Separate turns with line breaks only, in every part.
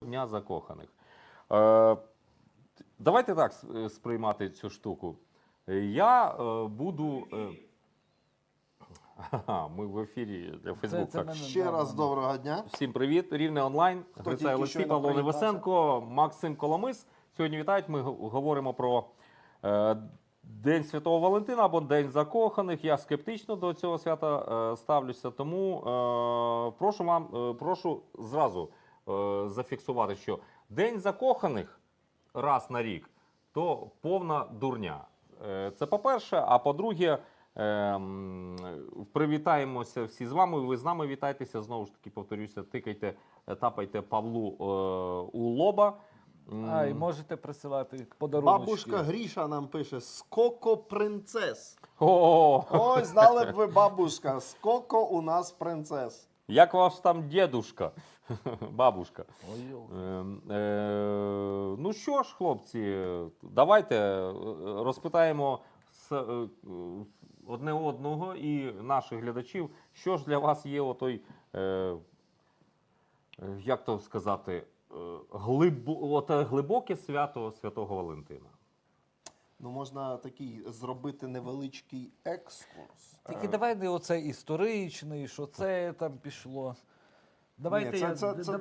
Дня закоханих. Давайте так сприймати цю штуку. Я буду... Ми в ефірі для Фейсбук.
Ще раз доброго дня.
Всім привіт. Рівне онлайн. Грицай Олексій, Павло Невесенко, Максим Коломис. Сьогодні вітають. Ми говоримо про День Святого Валентина або День закоханих. Я скептично до цього свята ставлюся, тому прошу зразу зафіксувати, що День закоханих раз на рік то повна дурня. Це по-перше, а по-друге, привітаємося всі з вами, ви з нами вітайтеся, знову ж таки, повторюся, тикайте, тапайте Павлу у лоба.
І можете присилати подарунки.
Бабушка Гріша нам пише: «Скоко принцес».
О,
Ой, знали б ви, бабушка, скоко у нас принцес.
як ваш там дедушка, бабушка. Ну що ж, хлопці, давайте розпитаємо одне одного і наших глядачів, що ж для вас є отой, як то сказати, глибоке свято Святого Валентина.
Ну, можна такий зробити невеличкий екскурс.
Тільки давай не оцей історичний, що це там пішло. Давайте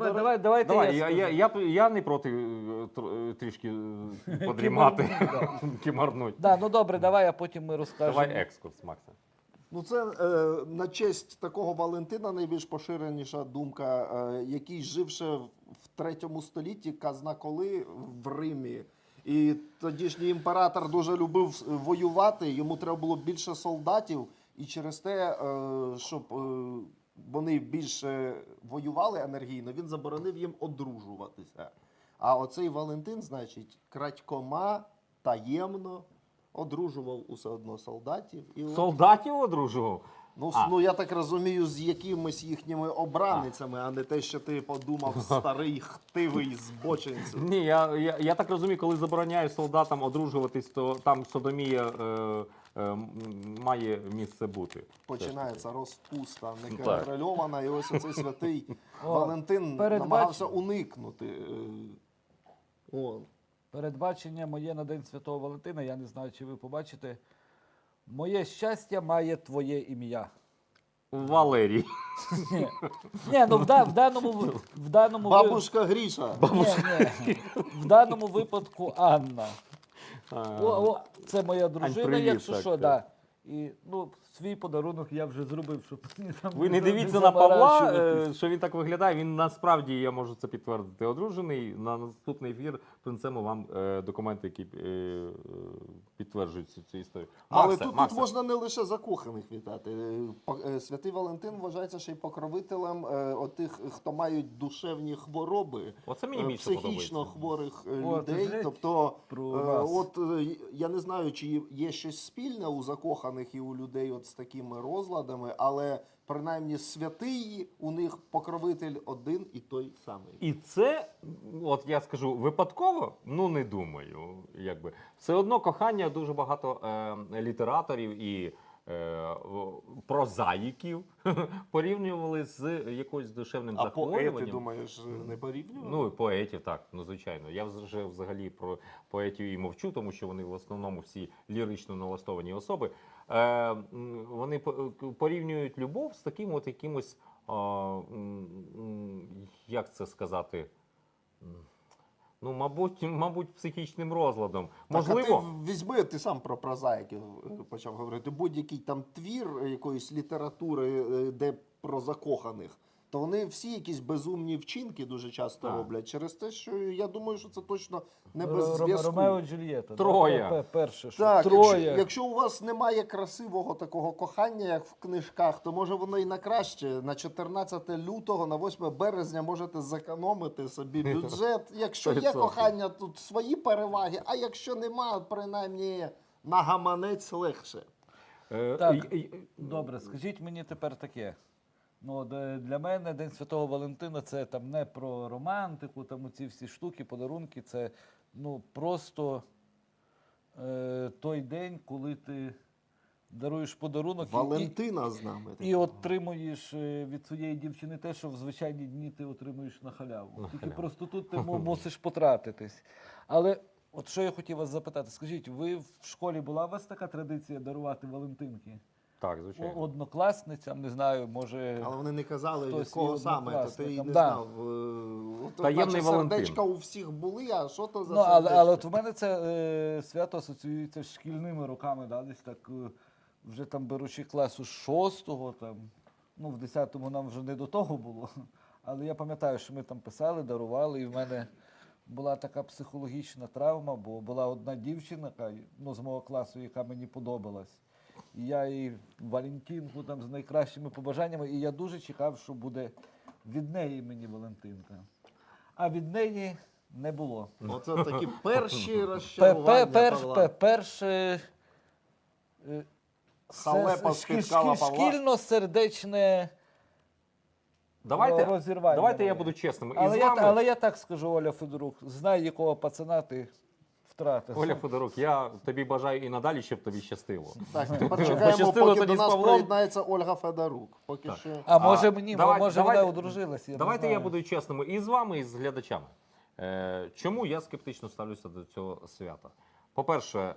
Я не проти трішки подрімати, кімарнуть.
Ну добре, давай, а потім ми розкажемо.
Давай екскурс, Максим.
Ну, це на честь такого Валентина найбільш поширеніша думка, який жив ще в 3 столітті, казна коли, в Римі. І тодішній імператор дуже любив воювати, йому треба було більше солдатів, і через те, щоб вони більше воювали енергійно, він заборонив їм одружуватися. А оцей Валентин, значить, крадькома, таємно одружував усе одно солдатів. І
Солдатів одружував?
Ну, я так розумію, з якимись їхніми обраницями, а не те, що ти подумав, старий хтивий збочинців.
Ні, я так розумію, коли забороняю солдатам одружуватись, то там содомія має місце бути.
Починається розпуста, неконтрольована, і ось оцей святий Валентин
передбач-
намагався уникнути.
Передбачення моє на День Святого Валентина, я не знаю, чи ви побачите. Моє щастя має твоє ім'я.
Валерій.
Ні, ну в даному
Бабушка Гріша.
в даному випадку Анна. Це моя дружина,
привіт,
якщо
так,
що,
так.
да. І свій подарунок я вже зробив, щоб там
Ви не дивіться на Павла,
заморачуватись.
що він так виглядає. Він насправді, я можу це підтвердити, одружений. На наступний ефір принесемо вам документи, які підтверджують цю історію.
Але тут можна не лише закоханих вітати. Святий Валентин вважається ще й покровителем отих, хто мають душевні хвороби,
Оце мені більше
психічно
подобається.
хворих
От,
людей.
знаєте,
Тобто,
про вас.
я не знаю, чи є щось спільне у закоханих і у людей от з такими розладами, але принаймні святий у них покровитель один і той самий.
І це, от я скажу, випадково? Ну, не думаю. Якби. Все одно кохання дуже багато літераторів і прозаїків порівнювали з якоюсь душевним
А поети,
захворюванням.
думаєш, не порівнювали?
Ну, і поетів, так, ну звичайно. Я вже взагалі про поетів і мовчу, тому що вони в основному всі лірично налаштовані особи. Вони порівнюють любов з таким от якимось, як це сказати, ну, мабуть, психічним розладом. Можливо.
Так, а ти візьми, ти сам про прозаїків почав говорити, будь-який там твір якоїсь літератури, де про закоханих, то вони всі якісь безумні вчинки дуже часто роблять. Через те, що я думаю, що це точно не без зв'язку.
Ромео і Джульєта.
Троя.
Перше, що
Так,
Троя.
якщо у вас немає красивого такого кохання, як в книжках, то може воно і на краще. На 14 лютого, на 8 березня можете зекономити собі бюджет. Якщо є
100%.
кохання, тут свої переваги, а якщо нема, принаймні на гаманець легше.
Так, добре, скажіть мені тепер таке. Ну, для мене День Святого Валентина це там не про романтику, там оці всі штуки, подарунки, це ну, просто той день, коли ти даруєш подарунок
Валентина з нами.
і отримуєш від своєї дівчини те, що в звичайні дні ти отримуєш на халяву. Тільки
халяву.
просто тут ти мусиш потратитись. Але от що я хотів вас запитати, скажіть, ви в школі була у вас така традиція дарувати Валентинки?
Так, звичайно.
Однокласницям, не знаю, може.
Але вони не казали, від
Хтось
кого
є
саме, то ти і
однокласником.
не
Да.
знав.
Таємний
Наче
Валентин.
сердечка у всіх були, а що то за
Ну,
сердечка?
але от у мене це свято асоціюється з шкільними роками, да, десь так, вже там беручи класу 6-го, там, ну, в 10-му нам вже не до того було. Але я пам'ятаю, що ми там писали, дарували, і в мене була така психологічна травма, бо була одна дівчина, ну, з мого класу, яка мені подобалась. І я їй Валентинку там з найкращими побажаннями, і я дуже чекав, що буде від неї мені Валентинка. А від неї не було.
Оце такі перші розчарування Павла.
Перше
Халепа спіткала Павла.
шкільно-сердечне розірвання.
Давайте я
моє.
буду чесним.
Але я так скажу, Оля Федорук, знай, якого пацана ти втратив.
Оля Федорук, я тобі бажаю і надалі, щоб тобі щастило.
Так, тепер чекаємо,
Пощастило
поки
тоді
до
з
нас
Павлом.
приєднається Ольга Федорук. Поки
Так.
що.
А може мені, може вона
давайте-
одружилась, я не
Давайте
знаю.
я буду чесним і з вами, і з глядачами. Чому я скептично ставлюся до цього свята? По-перше,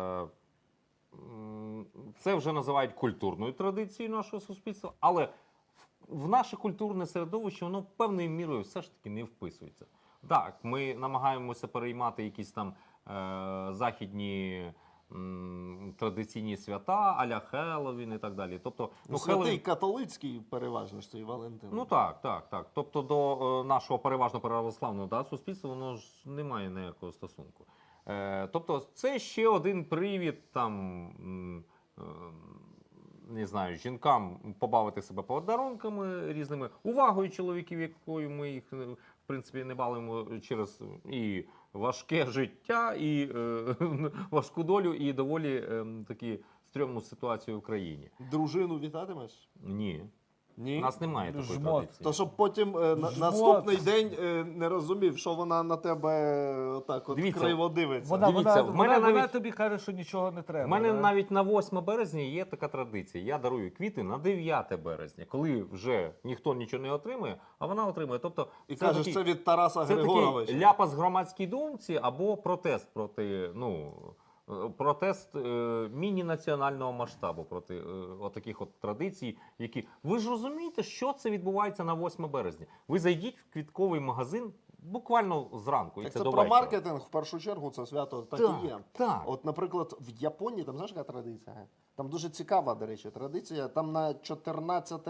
це вже називають культурною традицією нашого суспільства, але в наше культурне середовище воно певною мірою все ж таки не вписується. Так, ми намагаємося переймати якісь там західні традиційні свята, а-ля Хеллоуін і так далі. Тобто,
Святий
Хеллоуін-
католицький переважно ж цей Валентин.
Ну так. Тобто до нашого переважно православного суспільства воно ж не має ніякого стосунку. Тобто це ще один привід там, не знаю, жінкам побавити себе подарунками різними, увагою чоловіків, якою ми їх в принципі не балуємо через і важке життя, і важку долю, і доволі такі стрьомну ситуацію в країні.
Дружину вітатимеш?
Ні.
Ні.
У нас немає такої
Жмот.
традиції.
То щоб потім наступний день не розумів, що вона на тебе так от
Дивіться,
криво дивиться.
Дивіться, в мене
вона
навіть-
тобі каже, що нічого не треба.
У мене
да?
навіть на 8 березня є така традиція. Я дарую квіти на 9 березня, коли вже ніхто нічого не отримує, а вона отримує. Тобто
І кажеш, це від Тараса
це
Григоровича.
такий ляпас громадській думці або протест проти, протест міні-національного масштабу проти отаких от традицій, які... Ви ж розумієте, що це відбувається на 8 березня? Ви зайдіть в квітковий магазин буквально зранку, і
Так
це
це
до
про
вечора.
маркетинг в першу чергу, це свято так
Так,
і є.
так.
От, наприклад, в Японії, там знаєш, яка традиція? Там дуже цікава, до речі, традиція. Там на 14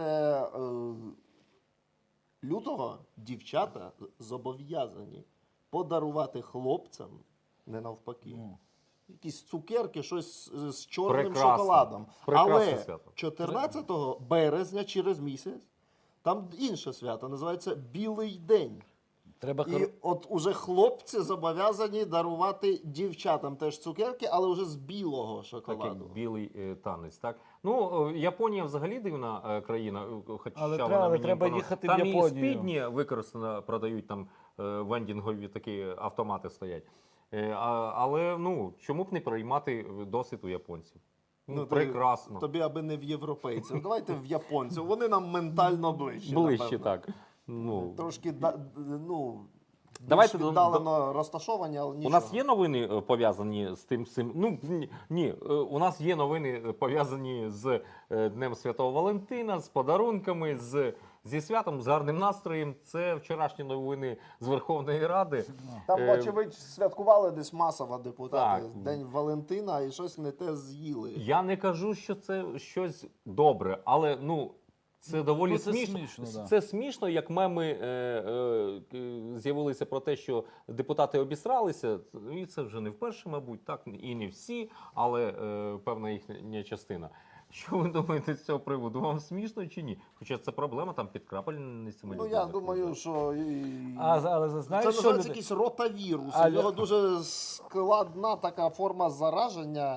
лютого дівчата зобов'язані подарувати хлопцям, не навпаки, якісь цукерки, щось з чорним
Прекрасно.
шоколадом.
Прекрасне
Але
свято.
14 березня, через місяць, там інше свято, називається Білий день.
Треба
І от уже хлопці зобов'язані дарувати дівчатам теж цукерки, але вже з білого
Такий
шоколаду.
білий танець, так? Японія взагалі дивна країна, хоча
Але
вона
треба-
мені
треба
імпонує.
їхати в
Там
Японію.
і спідні використано, продають, там вендінгові такі автомати стоять. Але чому б не приймати досвід у японців? Прекрасно.
Тобі аби не в європейців. Давайте в японців. Вони нам ментально ближче.
Ближче,
напевно.
так.
Трошки
Давайте
більш віддалено розташовані, але нічого.
У нас є новини пов'язані з тим цим. Ні, у нас є новини пов'язані з Днем Святого Валентина, з подарунками, зі святом, з гарним настроєм. Це вчорашні новини з Верховної Ради.
Там, очевидь, святкували десь масово депутати
Так.
День Валентина і щось не те з'їли.
Я не кажу, що це щось добре, але це доволі
це
смішно.
смішно, да.
Це смішно, як меми з'явилися про те, що депутати обісралися. І це вже не вперше, мабуть, так і не всі, але певна їхня частина. Що ви думаєте з цього приводу? Вам смішно чи ні? Хоча це проблема там під крапельницями.
Ну,
людей
я думаю, що
Але
це
знаєш, що
називається
люди...
якийсь ротавірус.
А
У нього дуже складна така форма зараження.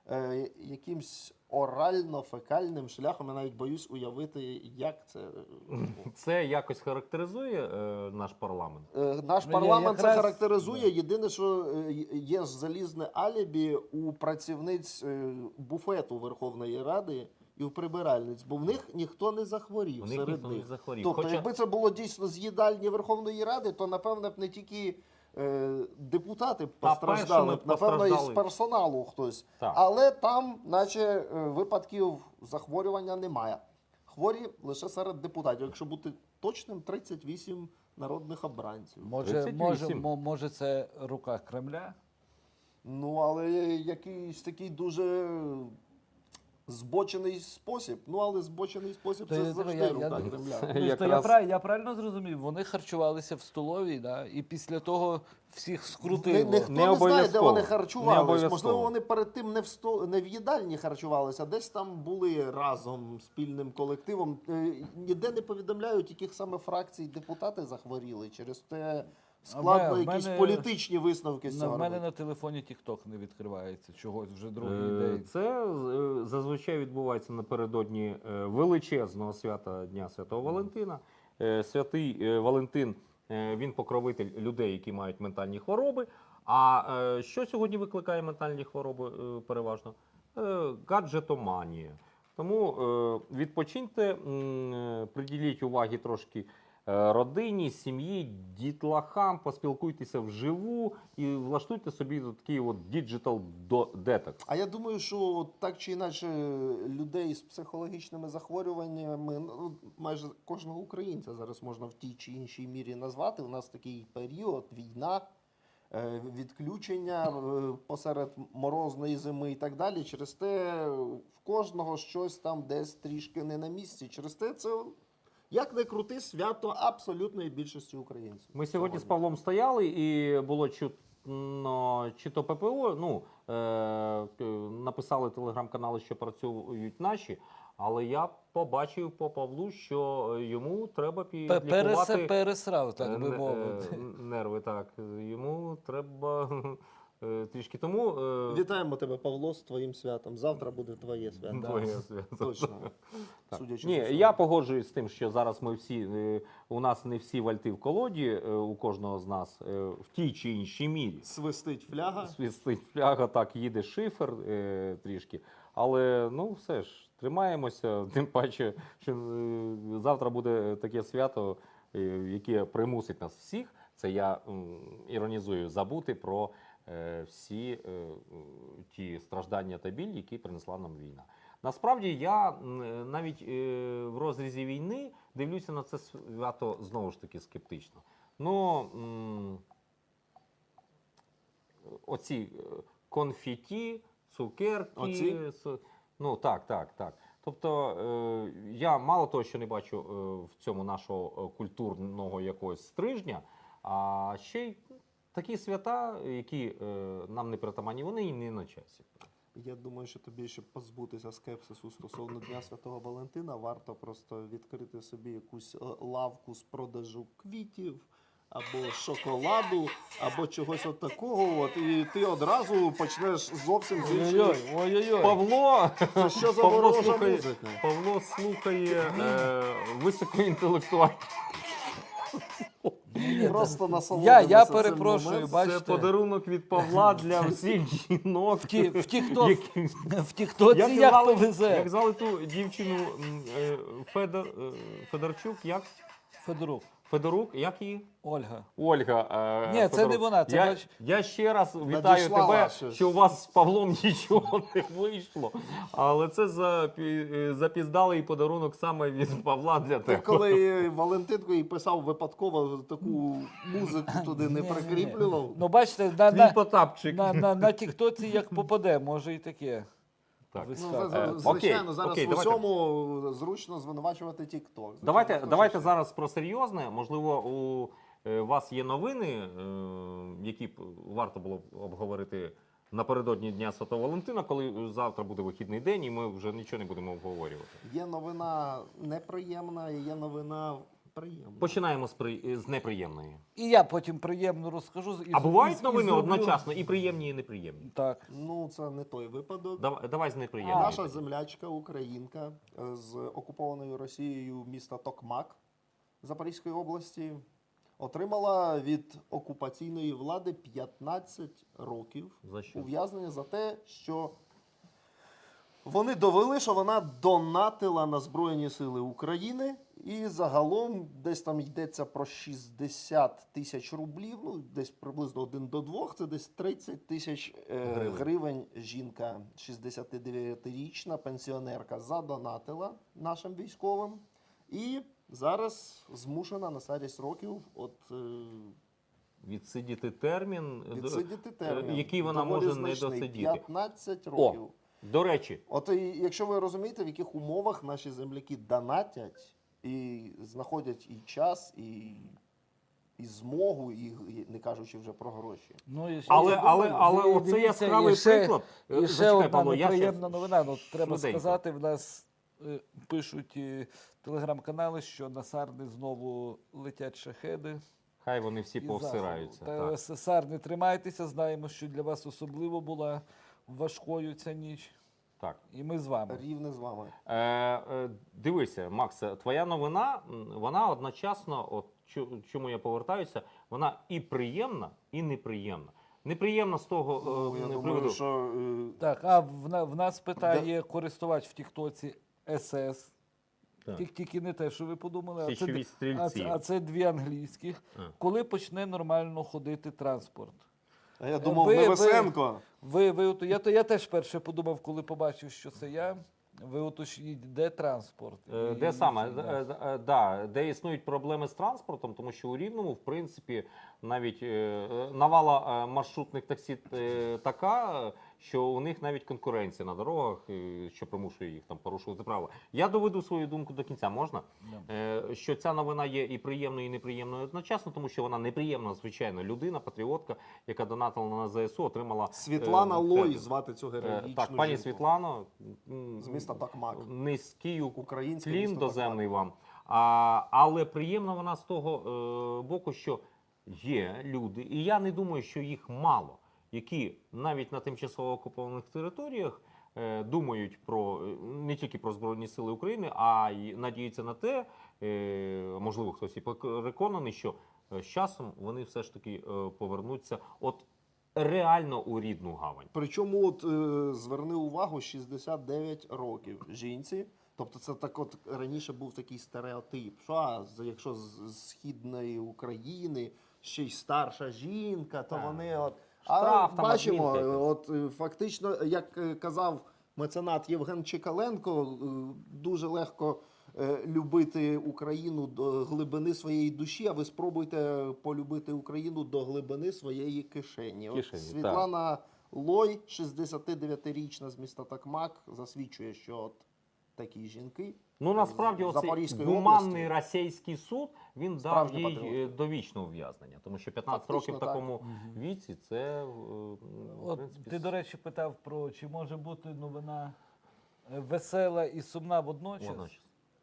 якимсь орально-фекальним шляхом. Я навіть боюсь уявити, як це.
Це якось характеризує наш парламент?
Наш
Ну,
парламент це
якраз,
характеризує.
да.
Єдине, що є ж залізне алібі у працівниць буфету Верховної Ради і у прибиральниць, бо в них ніхто не захворів
У них
серед
ніхто не
них.
захворів.
Тобто,
Хоча-
якби це було дійсно з їдальні Верховної Ради, то напевне б не тільки депутати постраждали,
першими
б, напевно, і з
постраждали.
персоналу хтось.
Так.
Але там, наче, випадків захворювання немає. Хворі лише серед депутатів. Якщо бути точним, 38 народних обранців.
Може,
38.
може це рука Кремля?
Ну, але якийсь такий дуже збочений спосіб. Ну, але збочений спосіб
То
це
я-
завжди
я-
рука
я-
Кремля.
Ну, то
Якраз-
я правильно зрозумів, вони харчувалися в столовій, да? І після того всіх скрутило.
Ніхто
Не
не знає, де
обов'язково.
вони
Не
харчувалися.
обов'язково.
Можливо, вони перед тим не в їдальні харчувалися, а десь там були разом спільним колективом. Ніде не повідомляють, яких саме фракцій депутати захворіли. Через те складно
в
якісь
мене-
політичні висновки з цього
В мене
робити.
на телефоні TikTok не відкривається чогось вже другий день.
Це зазвичай відбувається напередодні величезного свята Дня Святого Валентина. Святий Валентин він покровитель людей, які мають ментальні хвороби. А що сьогодні викликає ментальні хвороби переважно? Гаджетоманія. Тому відпочиньте, приділіть уваги трошки родині, сім'ї, дітлахам, поспілкуйтеся вживу і влаштуйте собі такий от діджитал детокс.
А я думаю, що так чи інакше людей з психологічними захворюваннями, ну, майже кожного українця зараз можна в тій чи іншій мірі назвати. У нас такий період, війна, відключення посеред морозної зими і так далі. Через те в кожного щось там десь трішки не на місці. Через те це, як не крути, свято абсолютної більшості українців.
Ми сьогодні з Павлом стояли, і було чутно, чи то ППО, написали телеграм-канали, що працюють наші, але я побачив по Павлу, що йому треба підлікувати
Пересрав, так би
н-
мовити.
нерви. Так, йому треба трішки тому.
Вітаємо тебе, Павло, з твоїм святом. Завтра буде твоє свято.
Твоє свято.
Точно.
Так.
Судячи
Ні,
з усього.
я погоджуюсь з тим, що зараз ми всі, у нас не всі вальти в колоді, у кожного з нас в тій чи іншій мірі.
Свистить фляга.
Свістить фляга, так, їде шифер трішки. Але ну все ж, тримаємося, тим паче, що завтра буде таке свято, яке примусить нас всіх, це я іронізую, забути про всі ті страждання та біль, які принесла нам війна. Насправді я навіть в розрізі війни дивлюся на це свято знову ж таки скептично. Ну, оці конфеті, цукерки.
Оці?
Ну так. Тобто я мало того, що не бачу в цьому нашого культурного якогось стрижня, а ще й такі свята, які нам не притаманні, вони і не на часі.
Я думаю, що тобі, щоб позбутися скепсису стосовно Дня Святого Валентина, варто просто відкрити собі якусь лавку з продажу квітів, або шоколаду, або чогось от такого. От, і ти одразу почнеш зовсім з іншої.
Ой-ой-ой.
Павло,
Це що за
Павло
ворожа
слухає,
музика?
Павло слухає високоінтелектуальні.
Просто насолоджуйся
Я
цим
перепрошую,
моментом.
бачите.
Це подарунок від Павла для всіх жінок.
В тікток,
які-
в тіктоці як
звали-
повезе.
Як звали ту дівчину Федорчук, як? Федорук, як її?
Ольга.
Ольга.
Ні, це
Федорук.
не вона, це бач-
я ще раз вітаю
Надіслала
тебе,
щось.
що у вас з Павлом нічого не вийшло. Але це запіздалий подарунок саме від Павла для
Ти
тебе.
коли Валентинку їй писав випадково таку музику туди не
Ні-ні-ні.
прикріплював.
Ну, бачите,
Твій Потапчик.
на тіктоці як попаде, може і таке.
Так.
Ну,
Вискакує.
звичайно, зараз
окей,
в
давайте.
усьому зручно звинувачувати TikTok.
Давайте зараз про серйозне. Можливо, у вас є новини, які б варто було б обговорити напередодні Дня Святого Валентина, коли завтра буде вихідний день, і ми вже нічого не будемо обговорювати.
Є новина неприємна, і є новина Приємно.
Починаємо з неприємної.
І я потім приємно розкажу.
А бувають
і
новини
зроблю-
одночасно і приємні, і неприємні.
Так.
Ну, це не той випадок.
Давай з неприємної.
Наша землячка, українка з окупованою Росією міста Токмак Запорізької області отримала від окупаційної влади 15 років
За що?
ув'язнення за те, що вони довели, що вона донатила на Збройні Сили України, і загалом десь там йдеться про 60 тисяч рублів, ну десь приблизно 1 до 2, це десь 30 тисяч гривень жінка, 69-річна пенсіонерка, задонатила нашим військовим. І зараз змушена на старість років
Відсидіти термін,
відсидіти термін.
який вона
Доволі
може не
значний,
досидіти.
15 років.
До речі,
От і якщо ви розумієте, в яких умовах наші земляки донатять і знаходять і час, і змогу, і не кажучи вже про гроші.
Ну, і ще-
але
і
оце
дивіться,
яскравий
і ще-
приклад.
І ще
Зачекай,
одна
Павло, я
неприємна
щас
новина. Ну, треба
швиденько.
сказати, в нас пишуть телеграм-канали, що на Сарни знову летять шахеди.
Хай вони всі
із
повсираються.
заходу. Та, Сарни, тримайтеся, знаємо, що для вас особливо була важкою ця ніч.
Так.
І ми з вами.
Рівне з вами.
Дивися, Максе, твоя новина, вона одночасно, от чому я повертаюся, вона і приємна, і неприємна. Неприємна з того
Я
приводу.
думаю, що
Так, а в нас питає користувач в Тіктоці СС.
Так.
Тільки не те, що ви подумали,
Січові стрільці.
а це дві англійських.
А.
Коли почне нормально ходити транспорт?
а я думав,
ви-
Невесенко.
Я теж перше подумав, коли побачив, що це я. Ви уточніть, де транспорт?
Де
І-
саме?
да.
Де існують проблеми з транспортом, тому що у Рівному, в принципі, навіть навала маршрутних таксі така, що у них навіть конкуренція на дорогах, що примушує їх там порушувати правила. Я доведу свою думку до кінця, можна? Що ця новина є і приємною, і неприємною одночасно, тому що вона неприємна, звичайно, людина, патріотка, яка донатила на ЗСУ, отримала...
Світлана Лой
термін.
звати цю героїчну
Так, пані
жінку.
Світлано,
З міста Токмак.
низький
Українське
клін
місто
доземний
Токмак.
вам. Але приємна вона з того боку, що є люди, і я не думаю, що їх мало, які навіть на тимчасово окупованих територіях думають про не тільки про Збройні Сили України, а й надіються на те, можливо, хтось і переконаний, що з часом вони все ж таки повернуться от реально у рідну гавань.
Причому зверни увагу, 69 років жінці. Тобто це так от раніше був такий стереотип, що якщо з Східної України ще й старша жінка, то
Так.
вони от...
Штраф
А
там,
бачимо,
адмінка
от фактично, як казав меценат Євген Чекаленко, дуже легко любити Україну до глибини своєї душі, а ви спробуйте полюбити Україну до глибини своєї кишені. От
Кишені,
Світлана Лой, 69-річна з міста Токмак, засвідчує, що от такі жінки.
Ну, насправді,
з
оцей
Запорізької
гуманний
області.
російський суд, він дав
Справжні
їй
патріоти.
довічне ув'язнення. Тому що 15
Фактично,
років в
так.
такому віці, це, в
От,
принципі...
ти, до речі, питав про, чи може бути новина весела і сумна водночас.
водночас.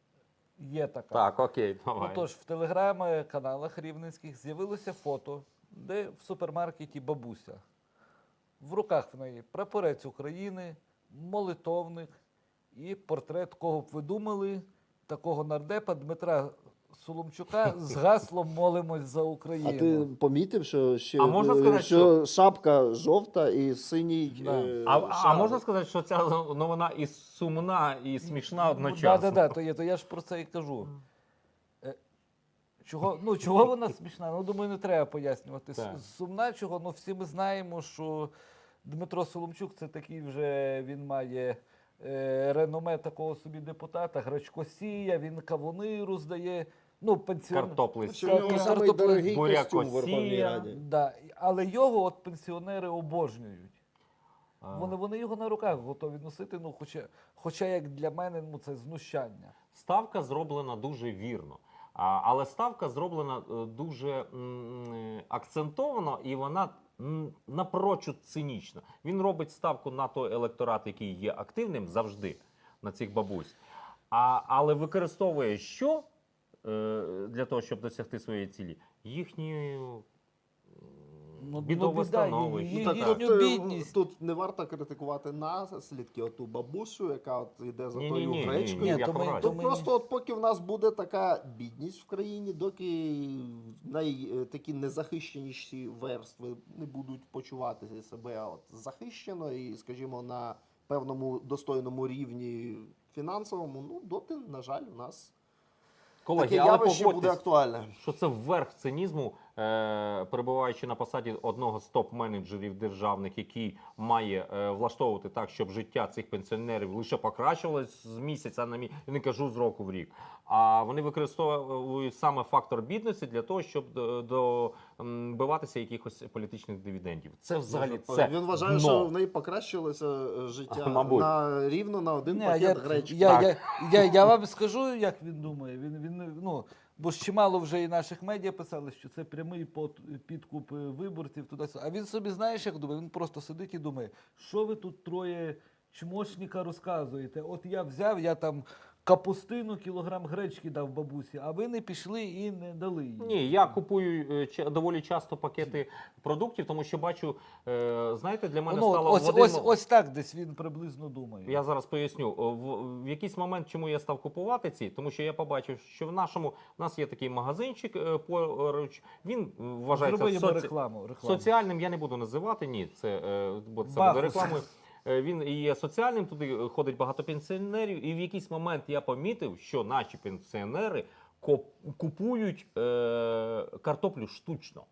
Є така.
Так, окей, давай.
Отож, в телеграм-каналах рівненських з'явилося фото, де в супермаркеті бабуся. В руках в неї прапорець України, молитовник і портрет, кого б ви думали, такого нардепа Дмитра Соломчука з гаслом «Молимось за Україну».
А ти помітив, що ще
А можна сказати,
що шапка жовта і синій
Да.
А
шал?
можна сказати, що ця новина і сумна, і смішна одночасно?
Так, то я ж про це і кажу. Чого вона смішна? Ну, думаю, не треба пояснювати.
Так.
Сумна чого? Ну, всі ми знаємо, що Дмитро Соломчук це такий вже, він має реноме такого собі депутата, гречкосія, він кавуни роздає. Ну,
Картопли
Що в нього
Так,
самий
картопля,
дорогий
буряк
костюм в Верховній
Росія.
Раді.
Да. Але його от пенсіонери обожнюють.
А.
Вони його на руках готові носити, ну, хоча як для мене, ну, це знущання.
Ставка зроблена дуже вірно. Але ставка зроблена дуже акцентовано, і вона напрочуд цинічна. Він робить ставку на той електорат, який є активним завжди, на цих бабусь. Але використовує що? для того, щоб досягти своєї цілі? Їхньою
Ну,
бідове
біда,
становище.
її-
Так,
їхню
тут,
бідність.
тут не варто критикувати наслідки, оту бабусю, яка от йде за
Ні-ні-ні,
тою
ні,
гречкою.
ні,
Ні,
в
то ми-
якому разі.
то
Тут просто от поки в нас буде така бідність в країні, доки такі незахищеніші верстви не будуть почувати себе от захищено і, скажімо, на певному достойному рівні фінансовому, ну доти, на жаль, у нас
Колеги,
таке
але
явище буде
погодьтесь,
актуальне.
що це верх цинізму, перебуваючи на посаді одного з топ-менеджерів державних, який має влаштовувати так, щоб життя цих пенсіонерів лише покращувалось з місяця на місяць, я не кажу з року в рік. А вони використовують саме фактор бідності для того, щоб добиватися якихось політичних дивідендів. Це взагалі це
Він вважає,
дно.
що в неї покращилося життя
Мабуть.
рівно на один
Ні,
пакет гречки.
я вам скажу, як він думає. Ну, бо ж чимало вже і наших медіа писали, що це прямий підкуп виборців туди. А він собі, знаєш, як думає? Він просто сидить і думає, що ви тут троє чмошника розказуєте? От я взяв, я там капустину, кілограм гречки дав бабусі, а ви не пішли і не дали їй.
Ні, я купую доволі часто пакети продуктів, тому що бачу, знаєте, для мене
Ну,
стало
ось так десь він приблизно думає.
Я зараз поясню. В якийсь момент, чому я став купувати ці, тому що я побачив, що в нас є такий магазинчик поруч, він вважається
Зроби йому рекламу.
соціальним, я не буду називати, ні, бо це
Бахус.
буде рекламою. Він і є соціальним, туди ходить багато пенсіонерів, і в якийсь момент я помітив, що наші пенсіонери купують картоплю штучно.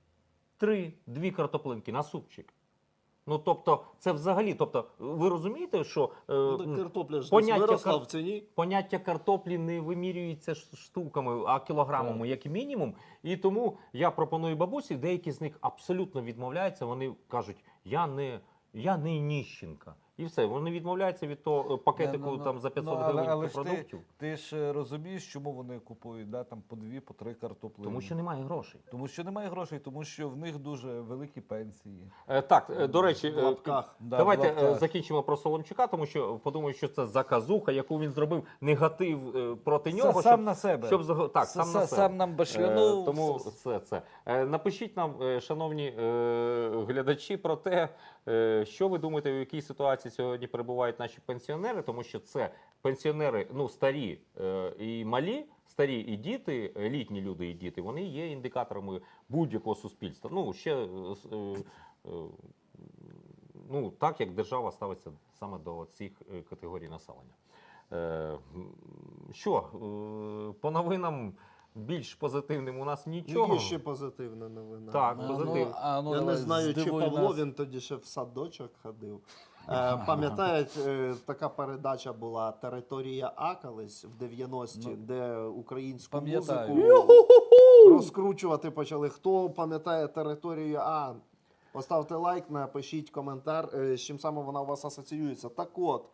2 картоплинки на супчик. Ну, тобто, це взагалі, тобто, ви розумієте, що
Картопля ж
поняття
виросла в ціні.
поняття картоплі не вимірюється штуками, а кілограмами, як мінімум. І тому я пропоную бабусі, деякі з них абсолютно відмовляються, вони кажуть, я не ніщенка. І все, вони відмовляються від того пакетику там за 500 гривень
але ж
продуктів.
ти ж розумієш, чому вони купують там по 2, по 3 картоплини.
Тому що немає грошей.
Тому що немає грошей, тому що в них дуже великі пенсії.
Так, до речі,
В лапках.
Да,
давайте
в лапках.
закінчимо про Соломчука, тому що подумаю, що це заказуха, яку він зробив, негатив проти нього.
Сам на себе.
Так, сам на себе.
Сам нам башлянув.
Тому це. Напишіть нам, шановні глядачі, про те, що ви думаєте, у якій ситуації сьогодні перебувають наші пенсіонери, тому що це пенсіонери, старі і малі, старі і діти, літні люди і діти, вони є індикаторами будь-якого суспільства. Так як держава ставиться саме до цих категорій населення. По новинам більш позитивним у нас нічого.
Є ще позитивна новина.
Так, позитив.
Я не
давай,
знаю, чи
здивуй
Павло,
нас.
він тоді ще в садочок ходив. Пам'ятають, така передача була «Територія А» колись в 90-ті, де українську
Пам'ятаю.
музику розкручувати почали. Хто пам'ятає «Територію А», поставте лайк, напишіть коментар, з чим саме вона у вас асоціюється. Так от,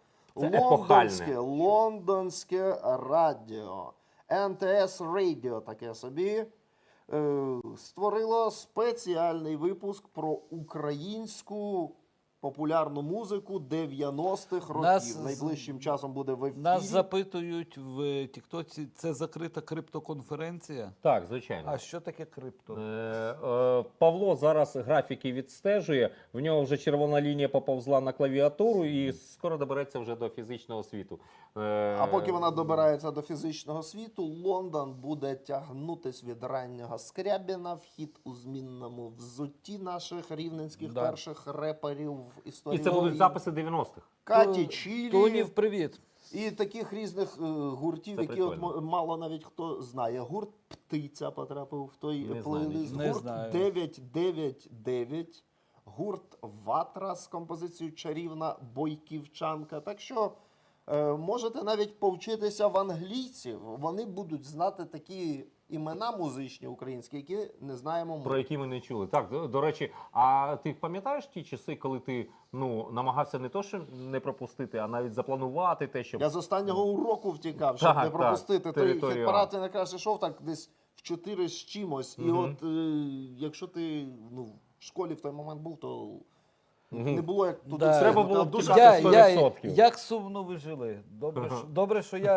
лондонське радіо, НТС Радіо таке собі, створило спеціальний випуск про українську популярну музику 90-х років. Найближчим часом буде в ефірі.
Нас запитують в Тіктоці, це закрита криптоконференція?
Так, звичайно.
А що таке крипто?
Павло зараз графіки відстежує, в нього вже червона лінія поповзла на клавіатуру і скоро добереться вже до фізичного світу.
А поки вона добирається до фізичного світу, Лондон буде тягнутись від раннього Скрябіна, вхід у змінному взутті наших рівненських
Да.
перших реперів в
І
історії.
це будуть записи 90-х.
Каті Чілі.
Тонів, привіт.
І таких різних гуртів,
Це
які
прикольно.
мало навіть хто знає. Гурт Птиця потрапив в той
Не знаю
плейлист.
нічого. Не
Гурт
знаю.
999. Гурт Ватра з композицією Чарівна Бойківчанка. Так що можете навіть повчитися в англійців. Вони будуть знати такі імена музичні українські, які не знаємо ми.
Про які ми не чули. Так, до речі, а ти пам'ятаєш ті часи, коли ти намагався не то, що не пропустити, а навіть запланувати те, щоб...
Я з останнього уроку втікав, щоб
Так,
не пропустити.
так,
Той
територію
хіт-парад я якраз йшов так десь в 4 з чимось. І от якщо ти в школі в той момент був, то не було як туди
Да.
Треба
встигнути,
було
а
б
душа
тікати
не
100%.
Як сумно ви жили. Добре, що я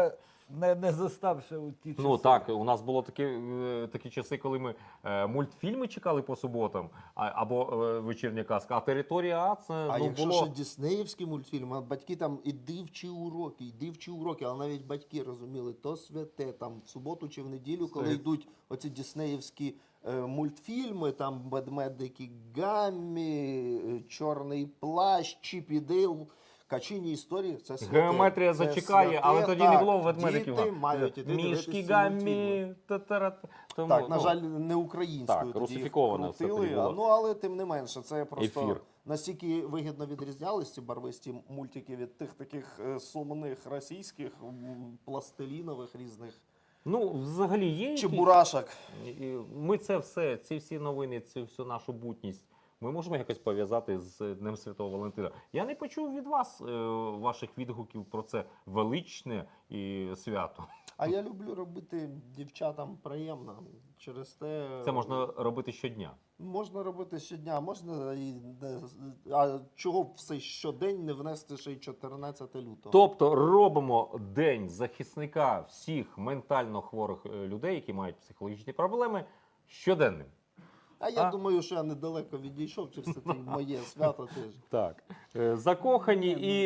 не застав ще у ті часи.
Ну так, у нас було такі часи, коли ми мультфільми чекали по суботам, або вечірня казка, а територія А це
А якщо
було.
ще діснеївські мультфільми, а батьки там іди вчи уроки, але навіть батьки розуміли, то святе, там в суботу чи в неділю, коли
Стоїть.
йдуть оці діснеївські мультфільми, там ведмедики Гаммі, Чорний плащ, Чіп і Дейл, Качині історії, це святе.
Геометрія
Це
зачекає,
святе,
але тоді не
так.
було ведмедиків.
Діти мають іти дивитися
Мішки
ці
Гаммі.
мультфільми.
Тому,
Так, на
ну,
жаль, не українською
так,
тоді
русифіковане все
крутили,
тоді було.
ну але тим не менше, це просто
Ефір.
настільки вигідно відрізнялись ці барвисті мультики від тих таких сумних російських пластилінових різних
Ну, взагалі є якісь...
чебурашок.
Ми це все, ці всі новини, цю всю нашу бутність, ми можемо якось пов'язати з Днем Святого Валентина. Я не почув від вас ваших відгуків про це величне і свято.
А я люблю робити дівчатам приємно. Через те
Це можна робити щодня.
можна робити щодня, можна і а чого б все щодень не внести ще й 14 лютого.
Тобто робимо День захисника всіх ментально хворих людей, які мають психологічні проблеми, щоденним.
А я думаю, що я недалеко відійшов через це моє свято теж.
Так. Закохані і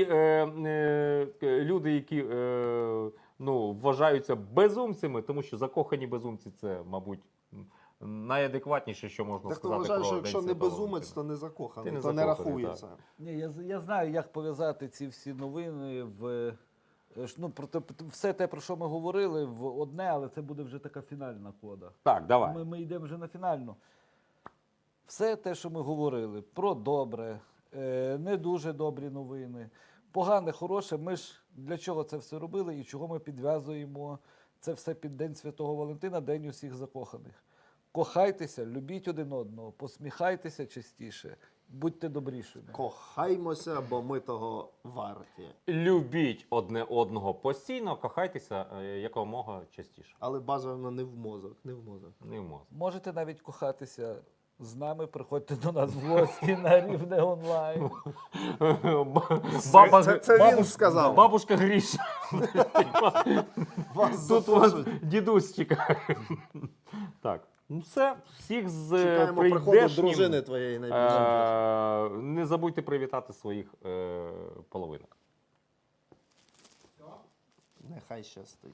люди, які вважаються безумцями, тому що закохані безумці це, мабуть, найадекватніше, що можна
Так то
сказати
вважаю,
про
що
День
якщо не
Святого
безумець,
Валентина.
то не закоханий,
Ти не
то не
закоханий,
рахується.
Ні, я знаю, як пов'язати ці всі новини в все те, про що ми говорили, в одне, але це буде вже така фінальна кода.
Так, давай.
Ми йдемо вже на фінальну. Все те, що ми говорили, про добре, не дуже добрі новини, погане, хороше, ми ж для чого це все робили і чого ми підв'язуємо це все під День Святого Валентина, День усіх закоханих. Кохайтеся, любіть один одного, посміхайтеся частіше, будьте добрішими.
Кохаймося, бо ми того варті.
Любіть одне одного постійно, кохайтеся якомога частіше.
Але бажано не в мозок, не в мозок.
Не можна.
Можете навіть кохатися з нами, приходьте до нас в гості на Рівне онлайн.
Це він сказав.
Бабушка Гріша.
Вас
Тут вас
запрошують.
дідусь чекає. Так, ну все, всіх з
Чекаємо приходу
прийдешнім.
дружини твоєї найбільше.
Не забудьте привітати своїх половинок.
Нехай щастить.